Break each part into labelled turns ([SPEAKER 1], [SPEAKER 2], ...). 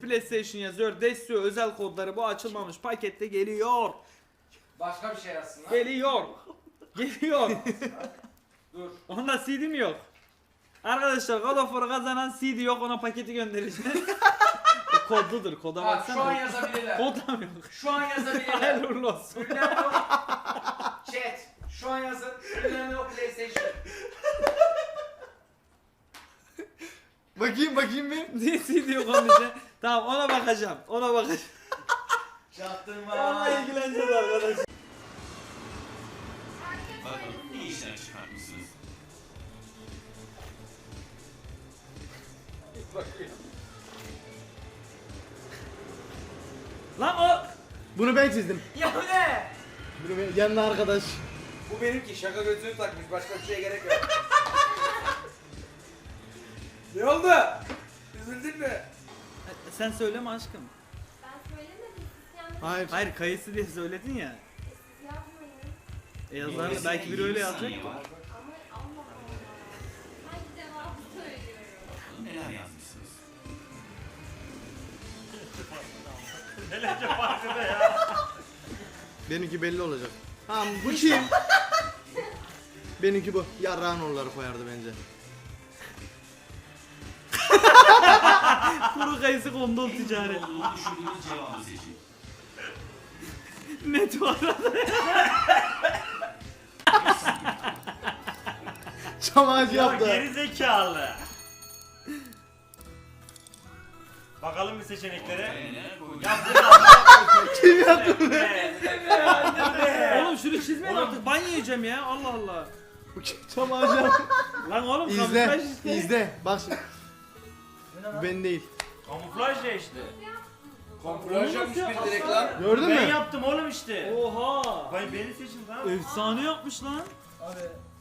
[SPEAKER 1] PlayStation yazıyor. Desio özel kodları bu açılmamış pakette geliyor.
[SPEAKER 2] Başka bir şey yazsın lan.
[SPEAKER 1] Geliyor. Geliyor.
[SPEAKER 2] Dur.
[SPEAKER 1] Onda CD mi yok? Arkadaşlar God of War'u kazanan CD yok, ona paketi göndereceğiz. Kodludur, koda
[SPEAKER 2] Bak şu an
[SPEAKER 1] baksana.
[SPEAKER 2] yazabilirler.
[SPEAKER 1] Kod da mı yok?
[SPEAKER 2] Şu an yazabilirler.
[SPEAKER 1] Hayırlı uğurlu olsun.
[SPEAKER 2] Ünlem yok. Chat. Şu an yazın. Ünlem yok PlayStation.
[SPEAKER 3] Bakayım bir.
[SPEAKER 1] Niye CD yok onun için? Tamam, ona bakacağım. Ona bakacağım.
[SPEAKER 2] Çaktırma.
[SPEAKER 1] Onunla ilgileneceğiz arkadaşlar.
[SPEAKER 4] Bakalım ne işler çıkartmışsınız.
[SPEAKER 1] Lan o...
[SPEAKER 3] Bunu ben çizdim.
[SPEAKER 2] Ya bu ne?
[SPEAKER 3] Bunu ben, yanına arkadaş.
[SPEAKER 2] Bu benimki. Şaka gözlüğü takmış. Başka bir şeye gerek yok. Ne oldu? Üzüldün mü?
[SPEAKER 1] Sen söyleme aşkım.
[SPEAKER 5] Ben söylemedim. Siz yalnız
[SPEAKER 3] Hayır.
[SPEAKER 1] Hayır, kayısı diye söyledin ya.
[SPEAKER 5] yapmayın.
[SPEAKER 1] Yazar
[SPEAKER 4] Dolayısıyla
[SPEAKER 1] belki biri öyle
[SPEAKER 4] 20
[SPEAKER 1] yazacak.
[SPEAKER 4] saniye var.
[SPEAKER 5] Ama Allah Allah. Ben cevabı söylüyorum.
[SPEAKER 4] Bakalım neler yazmışsınız.
[SPEAKER 3] Benimki belli olacak. Tamam bu kim? Benimki bu. Yarrağın onları koyardı bence.
[SPEAKER 1] Kuru kayısı kondol ticaret.
[SPEAKER 4] Olduğunu düşündüğünüz cevabı seçin.
[SPEAKER 1] Net var.
[SPEAKER 3] Çam ağacı
[SPEAKER 6] Ya
[SPEAKER 3] yaptı.
[SPEAKER 6] geri zekalı. Bakalım bir seçeneklere.
[SPEAKER 4] Neler koydunuz?
[SPEAKER 6] Ya bu
[SPEAKER 3] Kim yaptı bunu?
[SPEAKER 1] Oğlum şunu çizmeyin artık. Ban yiyeceğim ya. Allah Allah.
[SPEAKER 3] Bu kim? Çam ağacı yaptı.
[SPEAKER 1] Lan oğlum
[SPEAKER 3] İzle.
[SPEAKER 1] kamuflaj işte.
[SPEAKER 3] İzle. Bak şimdi. Bu ben değil.
[SPEAKER 6] Kamuflaj ya işte.
[SPEAKER 2] Konfraj yapmış bir direkt lan.
[SPEAKER 3] Gördün
[SPEAKER 6] Ben
[SPEAKER 3] mü?
[SPEAKER 6] yaptım oğlum işte.
[SPEAKER 1] Oha.
[SPEAKER 6] Beni seçin tamam.
[SPEAKER 1] Efsane yapmış lan.
[SPEAKER 2] Abi.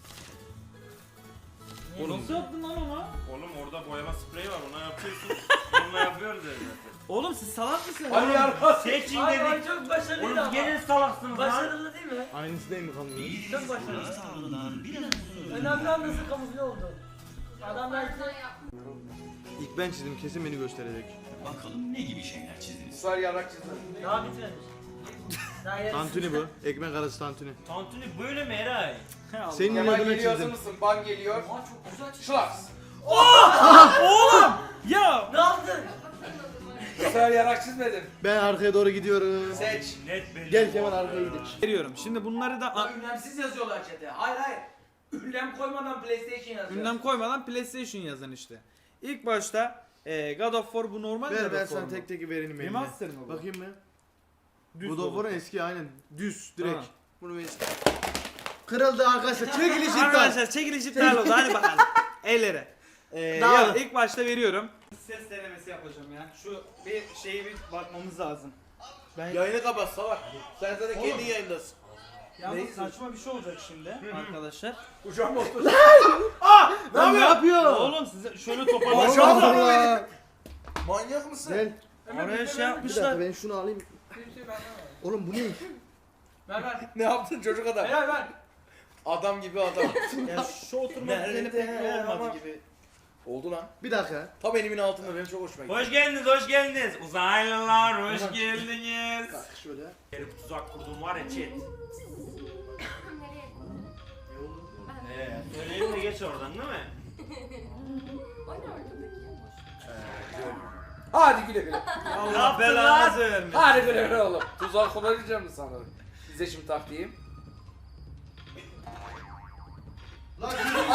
[SPEAKER 1] Oğlum nasıl yaptın lan onu?
[SPEAKER 6] Oğlum orada boyama spreyi var ona yapıyorsun. Onunla yapıyoruz ya zaten.
[SPEAKER 1] Oğlum siz salak mısınız?
[SPEAKER 2] Hadi yardım.
[SPEAKER 6] Seçin
[SPEAKER 7] Ay
[SPEAKER 6] dedik.
[SPEAKER 7] çok başarılıydı
[SPEAKER 6] Oğlum
[SPEAKER 7] ama.
[SPEAKER 6] gene salaksınız lan.
[SPEAKER 7] Başarılı değil mi?
[SPEAKER 3] Aynısı değil mi kanka?
[SPEAKER 7] Çok başarılı.
[SPEAKER 4] İyi tavrından biraz sonra
[SPEAKER 7] Önemli olan nasıl kamufle oldu. Adam belki
[SPEAKER 3] İlk ben çizdim, kesin beni gösterecek.
[SPEAKER 4] bakalım ne gibi şeyler çizdiniz.
[SPEAKER 2] Israr yarak çizdi.
[SPEAKER 7] daha bitmemiş. Daha yarısı.
[SPEAKER 3] Tantuni bu. Ekmek arası tantuni.
[SPEAKER 6] Tantuni böyle mi Eray?
[SPEAKER 3] Senin
[SPEAKER 2] Kemal
[SPEAKER 3] adına
[SPEAKER 2] geliyor, hazır
[SPEAKER 3] çizdim.
[SPEAKER 2] mısın? Ban geliyor.
[SPEAKER 7] Aa çok güzel çizdi.
[SPEAKER 2] Şlaks.
[SPEAKER 1] Ya.
[SPEAKER 7] Ne yaptın?
[SPEAKER 2] Israr yarak çizmedim.
[SPEAKER 3] Ben arkaya doğru gidiyorum.
[SPEAKER 2] Seç.
[SPEAKER 6] Net belli.
[SPEAKER 3] Gel Kemal arkaya gidelim.
[SPEAKER 1] Veriyorum. Şimdi bunları da
[SPEAKER 2] Ünlemsiz yazıyorlar chat'e. Hayır hayır. Ünlem koymadan PlayStation yazıyor.
[SPEAKER 1] ünlem koymadan PlayStation yazın işte. İlk başta God of War bu normal
[SPEAKER 3] Ver
[SPEAKER 1] God
[SPEAKER 3] ben
[SPEAKER 1] of War
[SPEAKER 3] sana
[SPEAKER 1] mu?
[SPEAKER 3] tek tek vereyim eline.
[SPEAKER 1] Remaster mı bu?
[SPEAKER 3] Bakayım mı?
[SPEAKER 1] Düz
[SPEAKER 3] Bu da
[SPEAKER 1] olur.
[SPEAKER 3] War'un eski aynen. Düz direkt.
[SPEAKER 1] Ha.
[SPEAKER 3] Bunu ver. Kırıldı arkadaşlar. Çekiliş iptal.
[SPEAKER 1] Arkadaşlar çekiliş iptal oldu. Hadi bakalım. Ellere.
[SPEAKER 3] Daha
[SPEAKER 1] Ya
[SPEAKER 3] mı?
[SPEAKER 1] ilk başta veriyorum. Ses denemesi yapacağım ya. Şu bir şeyi bir bakmamız lazım. Ben
[SPEAKER 3] Yayını kapat salak. Sen zaten
[SPEAKER 1] Oğlum.
[SPEAKER 3] kendi yayındasın.
[SPEAKER 1] yalnız saçma bir şey olacak şimdi arkadaşlar.
[SPEAKER 2] Kucağıma otur.
[SPEAKER 3] Lan ne yapıyor?
[SPEAKER 1] Oğlum size şöyle toparlayın.
[SPEAKER 3] Allah Allah.
[SPEAKER 2] Manyak mısın?
[SPEAKER 3] Gel.
[SPEAKER 1] Oraya şey
[SPEAKER 3] Bir
[SPEAKER 1] yapmışlar.
[SPEAKER 3] dakika ben şunu alayım. Oğlum bu ne?
[SPEAKER 7] Ver ver.
[SPEAKER 2] Ne yaptın çocuk adam?
[SPEAKER 7] Ver ver.
[SPEAKER 2] Adam gibi adam.
[SPEAKER 1] Ya şu oturma düzeni pek iyi olmadı
[SPEAKER 2] Ama-
[SPEAKER 1] gibi.
[SPEAKER 2] Oldu lan.
[SPEAKER 3] Bir dakika.
[SPEAKER 2] Tam elimin altında benim çok hoşuma gitti.
[SPEAKER 6] Hoş geldiniz, hoş geldiniz. Uzaylılar, hoş geldiniz.
[SPEAKER 3] Bak şöyle.
[SPEAKER 6] Herif tuzak kurdum var ya chat.
[SPEAKER 5] Nereye?
[SPEAKER 6] Söyleyeyim de geç oradan değil mi?
[SPEAKER 5] O ne ortadaki?
[SPEAKER 2] Hadi güle güle.
[SPEAKER 1] Allah
[SPEAKER 6] yaptın
[SPEAKER 1] belanızı vermesin.
[SPEAKER 2] Hadi güle güle oğlum. Tuzak kullanacağım mı sanırım? Size şimdi taktiğim.
[SPEAKER 3] Lan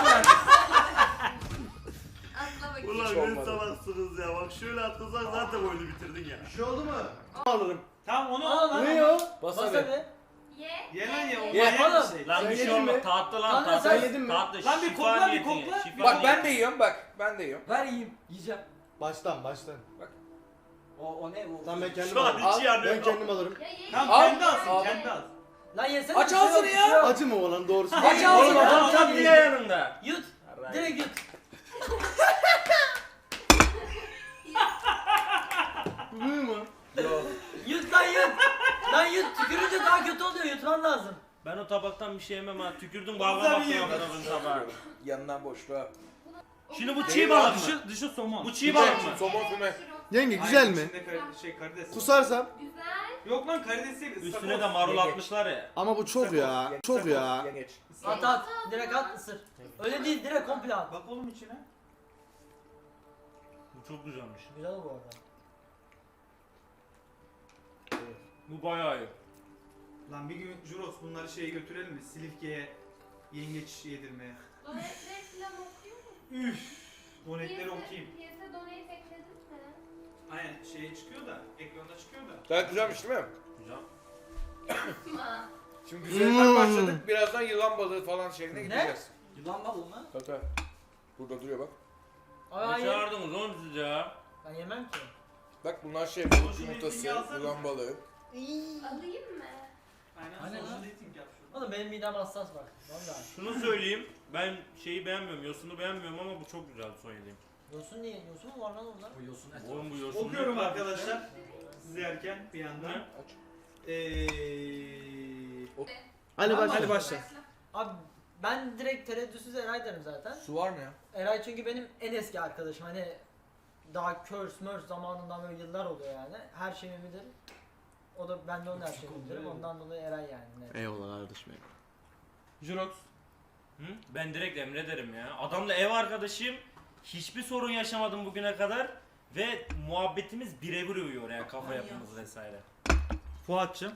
[SPEAKER 5] Atla bakayım.
[SPEAKER 6] Ulan
[SPEAKER 2] Hiç
[SPEAKER 6] ne
[SPEAKER 2] olmadı.
[SPEAKER 6] salaksınız ya. Bak şöyle atlasan zaten oyunu bitirdin ya.
[SPEAKER 3] bir şey oldu mu? Alırım.
[SPEAKER 1] Tamam onu
[SPEAKER 7] Aa lan.
[SPEAKER 3] Ne o?
[SPEAKER 2] Bas
[SPEAKER 7] Bas
[SPEAKER 2] abi.
[SPEAKER 7] abi.
[SPEAKER 5] Ye.
[SPEAKER 1] Ye lan ye o
[SPEAKER 2] Ye.
[SPEAKER 1] manyak
[SPEAKER 7] Oğlum.
[SPEAKER 1] bir şey.
[SPEAKER 6] Lan
[SPEAKER 3] Sen
[SPEAKER 6] bir şey
[SPEAKER 3] yedin
[SPEAKER 6] olmaz.
[SPEAKER 3] mi?
[SPEAKER 6] Tatlı lan
[SPEAKER 7] Lan
[SPEAKER 6] tatlı.
[SPEAKER 3] sen yedin mi?
[SPEAKER 6] Tatlı.
[SPEAKER 1] Lan bir
[SPEAKER 6] şifa
[SPEAKER 1] kokla, bir
[SPEAKER 6] niyetine,
[SPEAKER 1] kokla.
[SPEAKER 6] şifa
[SPEAKER 2] Bak ben
[SPEAKER 6] niyetine.
[SPEAKER 2] de yiyorum bak. Ben de yiyorum.
[SPEAKER 7] Ver yiyeyim. Yiyeceğim.
[SPEAKER 3] Baştan.
[SPEAKER 7] O ne o?
[SPEAKER 3] Tamam ben kendim
[SPEAKER 6] Şu an
[SPEAKER 3] alırım.
[SPEAKER 6] içi yanıyor.
[SPEAKER 3] Ben kendim alırım.
[SPEAKER 5] Ya ye.
[SPEAKER 1] Tamam
[SPEAKER 2] Al.
[SPEAKER 1] kendi alsın
[SPEAKER 2] Al.
[SPEAKER 1] kendi al.
[SPEAKER 7] Lan yesene.
[SPEAKER 2] Aç
[SPEAKER 7] bir şey yok,
[SPEAKER 2] ağzını
[SPEAKER 7] bir
[SPEAKER 2] ya.
[SPEAKER 7] şey yok.
[SPEAKER 3] Acı mı olan doğrusu?
[SPEAKER 2] Aç
[SPEAKER 7] Oğlum,
[SPEAKER 2] ağzını.
[SPEAKER 7] adam
[SPEAKER 6] Adam
[SPEAKER 7] tam
[SPEAKER 6] bile
[SPEAKER 7] yedi.
[SPEAKER 6] yanında.
[SPEAKER 7] Yut. Direkt yut.
[SPEAKER 3] Bu mu?
[SPEAKER 7] Yut lan yut. Lan yut. Tükürünce daha kötü oluyor. Yutman lazım.
[SPEAKER 6] Ben o tabaktan bir şey yemem ha. Tükürdüm balgam atıyor adamın tabağı.
[SPEAKER 2] Yanından boşluğa.
[SPEAKER 6] Şimdi bu çiğ balık mı?
[SPEAKER 1] Dışı somon.
[SPEAKER 6] Bu çiğ balık mı?
[SPEAKER 2] Somon füme.
[SPEAKER 3] Yenge güzel
[SPEAKER 1] Hayır,
[SPEAKER 3] mi?
[SPEAKER 1] içinde karides.
[SPEAKER 3] Kusarsam.
[SPEAKER 5] Güzel.
[SPEAKER 1] Yok lan karides değil.
[SPEAKER 6] Üstüne de marul atmışlar ya.
[SPEAKER 3] Ama bu çok ya. Çok ya.
[SPEAKER 2] Yengeç.
[SPEAKER 7] At at. Direkt at ısır. Öyle değil direkt komple at.
[SPEAKER 1] Bak oğlum içine.
[SPEAKER 6] Bu çok güzelmiş.
[SPEAKER 7] Güzel bu arada.
[SPEAKER 6] Bu bayağı iyi.
[SPEAKER 1] Lan bir gün Juros bunları şeye götürelim mi? Silifke'ye yengeç yedirmeye.
[SPEAKER 5] Donetleri falan okuyor musun?
[SPEAKER 1] Üf. Donetleri okuyayım.
[SPEAKER 5] Piyasa donate ekledin mi?
[SPEAKER 1] Aynen şeye çıkıyor da, ekranda çıkıyor da.
[SPEAKER 3] Gayet güzelmiş değil mi?
[SPEAKER 6] Güzel.
[SPEAKER 5] Ma.
[SPEAKER 2] Şimdi güzelinden başladık. Birazdan yılan balığı falan şeklinde gideceğiz.
[SPEAKER 7] Yılan balığı mı?
[SPEAKER 2] Tabii. Burada duruyor bak.
[SPEAKER 7] Ay
[SPEAKER 6] Ne
[SPEAKER 7] hayır.
[SPEAKER 6] çağırdınız oğlum siz ya?
[SPEAKER 7] Ben yemem ki.
[SPEAKER 2] Bak bunlar şey
[SPEAKER 1] Oğlum
[SPEAKER 2] balık
[SPEAKER 1] şu
[SPEAKER 2] yumurtası,
[SPEAKER 1] listingi alsana.
[SPEAKER 2] yılan balığı.
[SPEAKER 5] Alayım mı?
[SPEAKER 1] Aynen.
[SPEAKER 7] Aynen
[SPEAKER 1] Social
[SPEAKER 7] lan.
[SPEAKER 1] dating yap şunu.
[SPEAKER 7] Oğlum benim midem hassas bak. Vallahi.
[SPEAKER 6] Şunu söyleyeyim. Ben şeyi beğenmiyorum. Yosunu beğenmiyorum ama bu çok güzel son yediğim.
[SPEAKER 7] Yosun niye? Yosun mu var lan orada? Bu yosun et.
[SPEAKER 6] Oğlum bu yosun.
[SPEAKER 1] Okuyorum
[SPEAKER 6] ne
[SPEAKER 1] arkadaşlar. Siz yerken bir yandan.
[SPEAKER 6] Ne?
[SPEAKER 3] Hadi
[SPEAKER 7] Tamam,
[SPEAKER 3] başla.
[SPEAKER 1] Hadi başla.
[SPEAKER 7] Abi ben direkt tereddütsüz Eray derim zaten.
[SPEAKER 2] Su var mı ya?
[SPEAKER 7] Eray çünkü benim en eski arkadaşım. Hani daha Curse Merge zamanından böyle yıllar oluyor yani. Her şeyimi bilir. O da ben de onun her şeyini bilirim. Ondan dolayı Eray yani. Net.
[SPEAKER 3] Eyvallah kardeşim benim.
[SPEAKER 1] Jurox.
[SPEAKER 6] Hı? Ben direkt Emre derim ya. Adamla ev arkadaşıyım. Hiçbir sorun yaşamadım bugüne kadar. Ve muhabbetimiz birebir uyuyor yani kafa yapımız vesaire.
[SPEAKER 1] Fuat'cığım.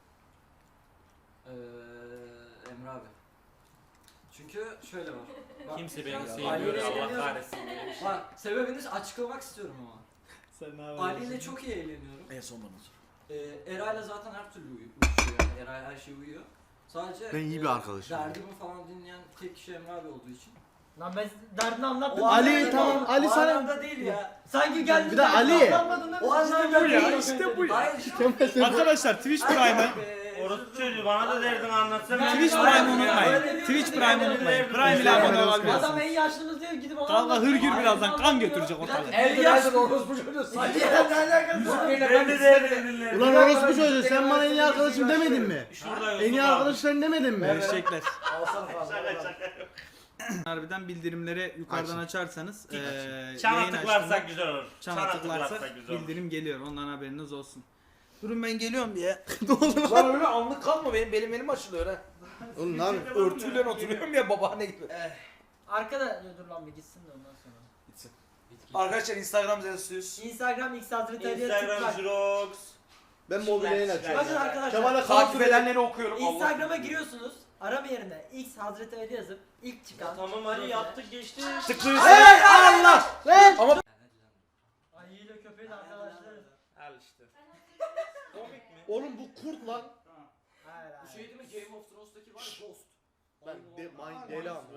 [SPEAKER 8] Emre abi. Çünkü şöyle var. Bak,
[SPEAKER 6] Kimse beni
[SPEAKER 8] Ali
[SPEAKER 6] sevmiyor
[SPEAKER 8] ile
[SPEAKER 6] ya, Allah
[SPEAKER 8] eğleniyorum.
[SPEAKER 6] kahretsin böyle bir şey.
[SPEAKER 8] Bak sebebini açıklamak istiyorum ama.
[SPEAKER 1] Sen ne
[SPEAKER 8] Ali ile çok iyi eğleniyorum.
[SPEAKER 3] En son bana sor.
[SPEAKER 8] Eray'la zaten her türlü uyuşuyor yani. Eray her şey uyuyor. Sadece
[SPEAKER 3] Ben iyi bir arkadaşım.
[SPEAKER 8] derdimi falan dinleyen tek kişi Emre abi olduğu için.
[SPEAKER 7] Lan ben derdini anlattım.
[SPEAKER 3] Ali,
[SPEAKER 7] Anlamadın
[SPEAKER 3] tamam,
[SPEAKER 7] oğlum.
[SPEAKER 3] Ali
[SPEAKER 8] o
[SPEAKER 3] sana-
[SPEAKER 8] anlamda değil ya.
[SPEAKER 7] Sanki geldin
[SPEAKER 3] Bir de Ali.
[SPEAKER 8] O anlamda
[SPEAKER 1] bu ya,
[SPEAKER 8] değil.
[SPEAKER 1] işte bu ya.
[SPEAKER 8] Hayır işte.
[SPEAKER 1] Arkadaşlar Twitch Prime'ı
[SPEAKER 6] Orası çocuğu bana da derdini anlatsana.
[SPEAKER 1] Twitch Prime'ı unutmayın. Twitch Prime'ı unutmayın. Prime ile abone
[SPEAKER 7] Adam
[SPEAKER 1] olabilirsiniz.
[SPEAKER 7] en yaşlımız diyor gidip ona
[SPEAKER 1] Kanka
[SPEAKER 7] anlatıyor.
[SPEAKER 1] hırgür
[SPEAKER 7] Ay,
[SPEAKER 1] birazdan
[SPEAKER 7] Allah
[SPEAKER 1] kan
[SPEAKER 7] diyor.
[SPEAKER 1] götürecek
[SPEAKER 7] Bir
[SPEAKER 1] ortalığı.
[SPEAKER 7] dakika,
[SPEAKER 2] El yaşlı orospu çocuğu.
[SPEAKER 7] Ali ne alakası var?
[SPEAKER 6] Ben de derdini dinlerim.
[SPEAKER 3] Ulan orospu çocuğu sen bana en iyi arkadaşım demedin mi?
[SPEAKER 6] Şurada
[SPEAKER 3] En iyi
[SPEAKER 6] yosun var.
[SPEAKER 3] arkadaşların demedin mi?
[SPEAKER 1] Eşekler.
[SPEAKER 2] Alsana fazla.
[SPEAKER 1] Harbiden bildirimleri yukarıdan açarsanız yayın
[SPEAKER 6] Çana
[SPEAKER 1] açtığımda
[SPEAKER 6] tıklarsak güzel olur.
[SPEAKER 1] çana tıklarsak
[SPEAKER 6] güzel olur.
[SPEAKER 1] bildirim geliyor. Ondan haberiniz olsun. Durun ben geliyorum bir ya.
[SPEAKER 2] Lan öyle anlık kalma benim elim açılıyor ha.
[SPEAKER 3] Oğlum ne yapıyorsun?
[SPEAKER 2] Örtüyle oturuyorum ya babaanne gibi.
[SPEAKER 7] Arkada ya dur lan bir gitsin de ondan sonra.
[SPEAKER 2] Arkadaşlar Instagram yazıyoruz.
[SPEAKER 7] Instagram X adresi
[SPEAKER 6] Instagram
[SPEAKER 7] tıklar.
[SPEAKER 6] Jirox.
[SPEAKER 3] Ben mobil yayın açıyorum.
[SPEAKER 7] Bakın arkadaşlar.
[SPEAKER 3] Kemal'e
[SPEAKER 2] Takip edenleri okuyorum.
[SPEAKER 7] Instagram'a giriyorsunuz. Arama yerine X Hazreti Ali yazıp ilk çıkan.
[SPEAKER 6] Tamam hadi yaptık geçti.
[SPEAKER 1] Tıklıyorsun.
[SPEAKER 3] Hey Allah! Lan!
[SPEAKER 2] Ama
[SPEAKER 7] Ayı ile köpeği de arkadaşlarız.
[SPEAKER 6] Al işte.
[SPEAKER 3] Oğlum bu kurt lan.
[SPEAKER 7] Hayır
[SPEAKER 8] Bu
[SPEAKER 7] hayır.
[SPEAKER 8] şey değil mi Game of Thrones'taki var ya Ghost.
[SPEAKER 3] Ben de deli ama.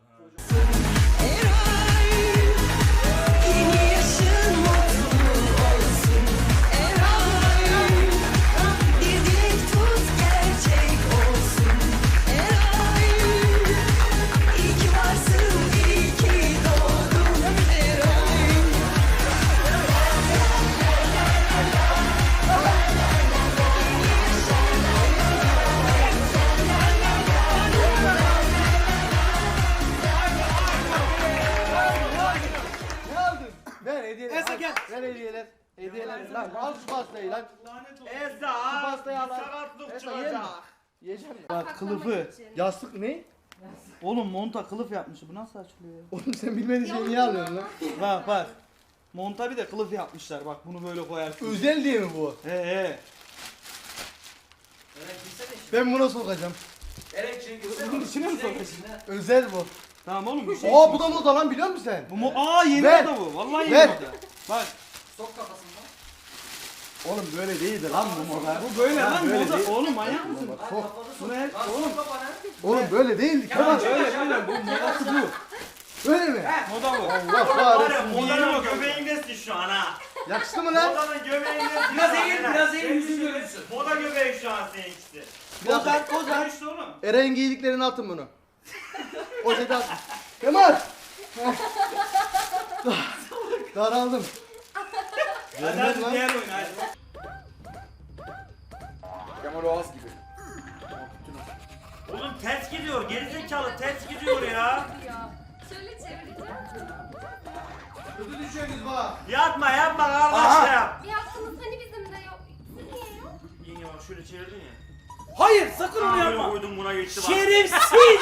[SPEAKER 9] Yeni yaşın mutlu olsun Eray. Bir dilek tut gerçek olsun Eray. İyi ki varsın, iyi ki doğdun Eray.
[SPEAKER 3] Ne aldın? Ver hediyeler. Esa gel. Ver hediyeler. Hediyeler. Lan al şu pastayı lan.
[SPEAKER 6] Eza.
[SPEAKER 3] Şu pastayı al lan.
[SPEAKER 6] Sakatlık
[SPEAKER 3] Esa yer mi?
[SPEAKER 6] çıkacak.
[SPEAKER 3] Yiyecek misin?
[SPEAKER 1] Bak kılıfı.
[SPEAKER 3] Yastık ne?
[SPEAKER 1] Oğlum monta kılıf yapmış. Bu nasıl açılıyor ya?
[SPEAKER 3] Oğlum sen bilmediğin şeyi niye alıyorsun lan?
[SPEAKER 1] Bak bak. Monta bir de kılıf yapmışlar. Bak bunu böyle koyarsın.
[SPEAKER 3] Özel diye mi bu?
[SPEAKER 1] He he.
[SPEAKER 8] Eray girsene şimdi.
[SPEAKER 3] Ben buna sokacağım.
[SPEAKER 2] Erek şey
[SPEAKER 1] Bunun içine mi sokacaksın?
[SPEAKER 8] İçine.
[SPEAKER 3] Özel bu.
[SPEAKER 1] Tamam oğlum bir şey.
[SPEAKER 3] Aa bu da moda lan biliyor musun sen?
[SPEAKER 1] Aa yeni
[SPEAKER 3] Ver.
[SPEAKER 1] moda bu. Vallahi yeni
[SPEAKER 3] Ver.
[SPEAKER 1] moda. Bak
[SPEAKER 8] Sok kafasından.
[SPEAKER 3] Oğlum böyle değildi lan bu moda.
[SPEAKER 1] bu böyle
[SPEAKER 3] Ha,
[SPEAKER 1] lan
[SPEAKER 3] böyle
[SPEAKER 1] moda.
[SPEAKER 3] değil.
[SPEAKER 1] Oğlum manyak mısın?
[SPEAKER 3] Bak,
[SPEAKER 8] Ay
[SPEAKER 3] sok.
[SPEAKER 8] kafanı
[SPEAKER 1] Bu
[SPEAKER 8] sok.
[SPEAKER 1] ne?
[SPEAKER 8] Lan
[SPEAKER 1] Oğlum.
[SPEAKER 8] sok kafana.
[SPEAKER 3] Oğlum böyle değildi Kemal.
[SPEAKER 1] Öyle bu modası bu.
[SPEAKER 3] Böyle mi?
[SPEAKER 1] Moda bu.
[SPEAKER 3] Allah
[SPEAKER 6] Var ya
[SPEAKER 3] kahretsin.
[SPEAKER 6] modanın göbeğindesin şu an ha.
[SPEAKER 3] Yakıştı mı lan?
[SPEAKER 6] Modanın göbeğindesin.
[SPEAKER 2] Biraz eğil, biraz eğil, yüzün görünsün.
[SPEAKER 6] Moda göbeği şu an seninkisi.
[SPEAKER 3] Ozan,
[SPEAKER 1] Ozan işte oğlum.
[SPEAKER 3] Eren giydiklerini atın bunu. O dedi atın. Kemal! Daraldım.
[SPEAKER 1] Hadi hadi diğer oyun hadi.
[SPEAKER 2] Kemal Oğaz gibi.
[SPEAKER 6] Oğlum ters gidiyor. Gerizekalı ters gidiyor ya.
[SPEAKER 5] Şöyle çevireceğim.
[SPEAKER 3] düşüyorsunuz bak.
[SPEAKER 6] Yapma yapma kardeşim.
[SPEAKER 5] Bir hakkımız hani bizim de yok. Siz niye yok?
[SPEAKER 6] Yenge bak şöyle çevirdin ya.
[SPEAKER 1] Hayır sakın onu
[SPEAKER 6] Böyle
[SPEAKER 1] yapma.
[SPEAKER 6] koydum buna geçti bak.
[SPEAKER 1] Şerefsiz.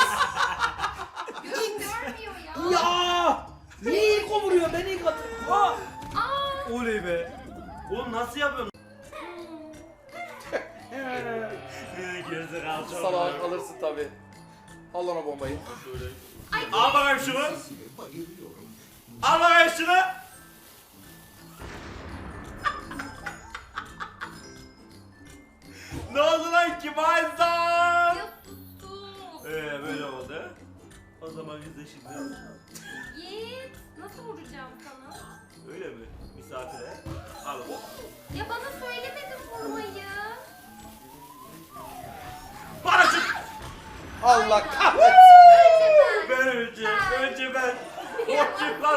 [SPEAKER 5] Görmüyor ya.
[SPEAKER 1] Ya. Niye ilk o vuruyor? Ben ilk atıyorum. Ha.
[SPEAKER 5] Aa.
[SPEAKER 6] Oley be. Oğlum nasıl yapıyorsun? Gerizekalı çok.
[SPEAKER 3] Salak alırsın tabi. Al ona bombayı.
[SPEAKER 6] Al bakayım şunu. Al bakayım şunu. Ne oldu lan ki Mayzan?
[SPEAKER 5] Ya sus.
[SPEAKER 6] Böyle oldu. O zaman biz de şimdi
[SPEAKER 5] Yiğit. Nasıl vuracağım sana?
[SPEAKER 6] öyle mi? Misafire. Al.
[SPEAKER 5] Ya bana söylemedin vurmayı.
[SPEAKER 6] Bana çık.
[SPEAKER 3] Allah kahretsin.
[SPEAKER 5] Önce ben.
[SPEAKER 6] Ben önce ben. O kim lan?